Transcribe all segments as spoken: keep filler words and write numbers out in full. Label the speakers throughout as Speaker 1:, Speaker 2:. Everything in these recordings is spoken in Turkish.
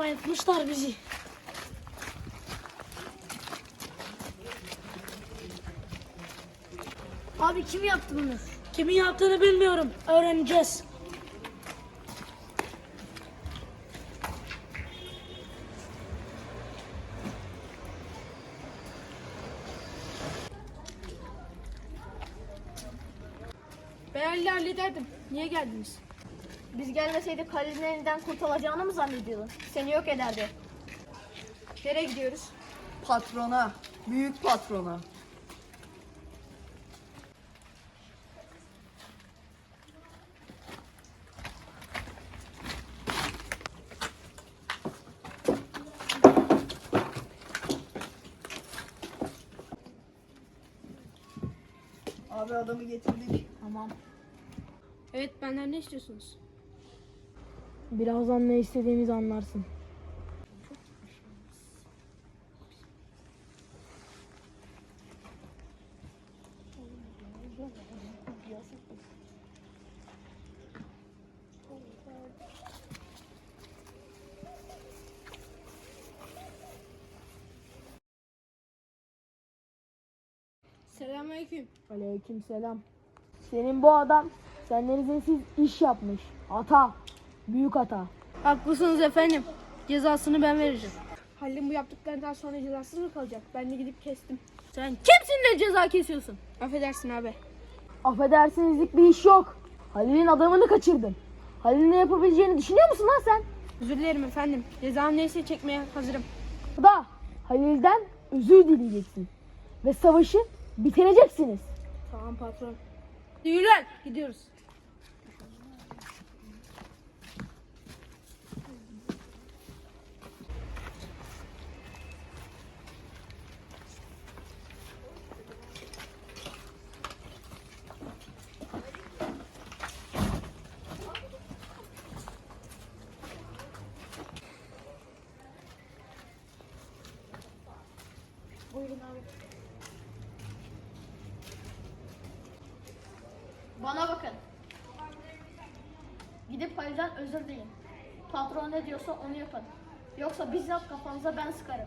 Speaker 1: Bayıltmışlar bizi.
Speaker 2: Abi kim yaptı bunu?
Speaker 1: Kimin yaptığını bilmiyorum. Öğreneceğiz.
Speaker 3: Ben Halil'i hallederdim. Niye geldiniz?
Speaker 2: Biz gelmeseydik Halil'in elinden kurtulacağını mı zannediyordun? Seni yok ederdi.
Speaker 3: Nereye gidiyoruz?
Speaker 4: Patrona, büyük patrona. Abi adamı getirdik.
Speaker 3: Tamam. Evet, benden ne istiyorsunuz?
Speaker 1: Birazdan ne istediğimizi anlarsın.
Speaker 3: Selamünaleyküm.
Speaker 1: Aleykümselam. Senin bu adam senden izinsiz iş yapmış. Hata. Büyük hata.
Speaker 3: Haklısınız efendim. Cezasını ben vereceğim. Halil'in bu yaptıklarından sonra cezasız mı kalacak? Ben de gidip kestim. Sen kimsin de ceza kesiyorsun? Affedersin abi.
Speaker 1: Affedersinizlik bir iş yok. Halil'in adamını kaçırdın. Halil'in ne yapabileceğini düşünüyor musun lan sen?
Speaker 3: Özür dilerim efendim. Cezam neyse çekmeye hazırım.
Speaker 1: Da Halil'den özür dileyeceksin. Ve savaşı bitireceksiniz.
Speaker 3: Tamam patron. Yürü lan. Gidiyoruz. Buyurun abi.
Speaker 2: Bana bakın. Gidip Halil'den özür dileyin. Patron ne diyorsa onu yapın. Yoksa bizzat kafanıza ben sıkarım.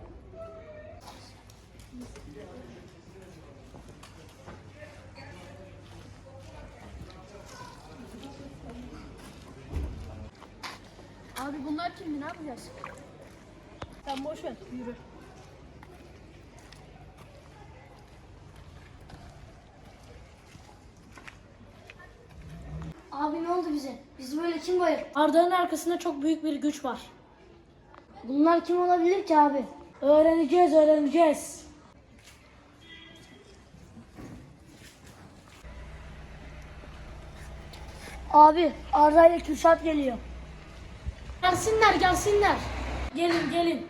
Speaker 3: Abi bunlar kimdi? Ne yapacağız?
Speaker 2: Sen boş ver, yürü. Abi ne oldu bize? Bizi böyle kim bayılttı?
Speaker 1: Arda'nın arkasında çok büyük bir güç var.
Speaker 2: Bunlar kim olabilir ki abi?
Speaker 1: Öğreneceğiz, öğreneceğiz.
Speaker 2: Abi Arda ile Kürşat geliyor.
Speaker 1: Gelsinler, gelsinler. Gelin, gelin.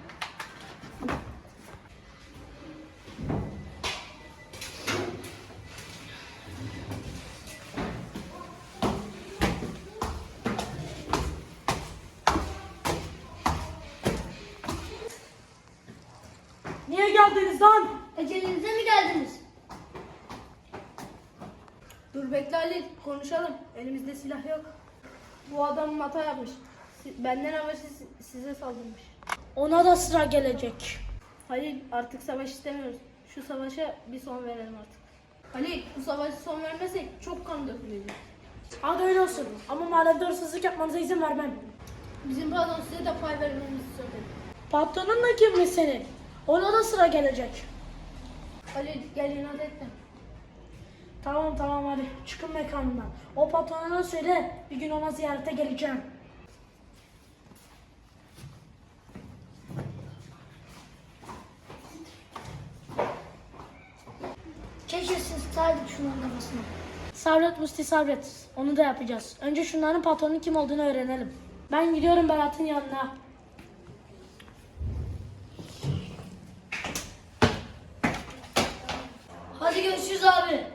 Speaker 1: Niye geldiniz lan?
Speaker 2: Ecelinize mi geldiniz?
Speaker 3: Dur bekle Halil. Konuşalım. Elimizde silah yok. Bu adam hata yapmış. Si- Benden habersiz si- size saldırmış.
Speaker 1: Ona da sıra gelecek.
Speaker 3: Halil artık savaş istemiyoruz. Şu savaşa bir son verelim artık. Halil bu savaşa son vermezsek çok kan dökülecek.
Speaker 1: Hadi öyle olsun. Ama mahallede hırsızlık yapmanıza izin vermem.
Speaker 3: Bizim patron size de pay vermemizi söyledi.
Speaker 1: Patronun da kimmiş senin? Ona da sıra gelecek.
Speaker 3: Halil gel inat etme.
Speaker 1: Tamam tamam hadi çıkın mekanından. O patrona söyle bir gün ona ziyarete geleceğim.
Speaker 2: Keşke siz tutardık şunun kafasına.
Speaker 1: Sabret Musti sabret. Onu da yapacağız. Önce şunların patronun kim olduğunu öğrenelim. Ben gidiyorum Berat'ın yanına.
Speaker 2: Hadi görüşürüz abi.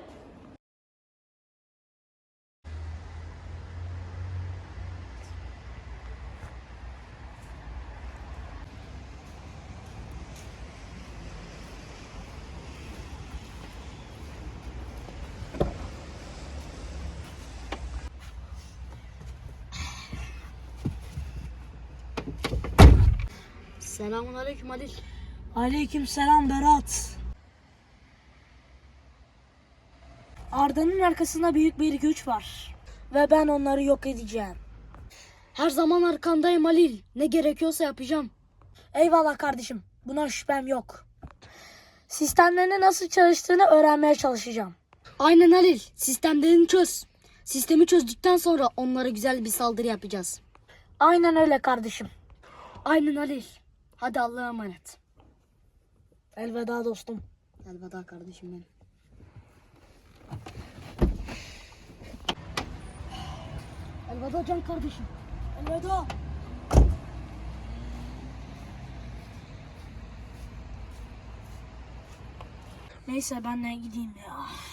Speaker 5: Selamun aleyküm Halil.
Speaker 1: Aleyküm selam Berat. Arda'nın arkasında büyük bir güç var. Ve ben onları yok edeceğim.
Speaker 5: Her zaman arkandayım Halil. Ne gerekiyorsa yapacağım.
Speaker 1: Eyvallah kardeşim. Buna şüphem yok. Sistemlerinin nasıl çalıştığını öğrenmeye çalışacağım.
Speaker 5: Aynen Halil. Sistemlerini çöz. Sistemi çözdükten sonra onlara güzel bir saldırı yapacağız.
Speaker 1: Aynen öyle kardeşim.
Speaker 5: Aynen Halil. Hadi Allah'a emanet.
Speaker 1: Elveda dostum.
Speaker 5: Elveda kardeşim benim.
Speaker 1: Elveda can kardeşim. Elveda. Neyse ben de gideyim ya.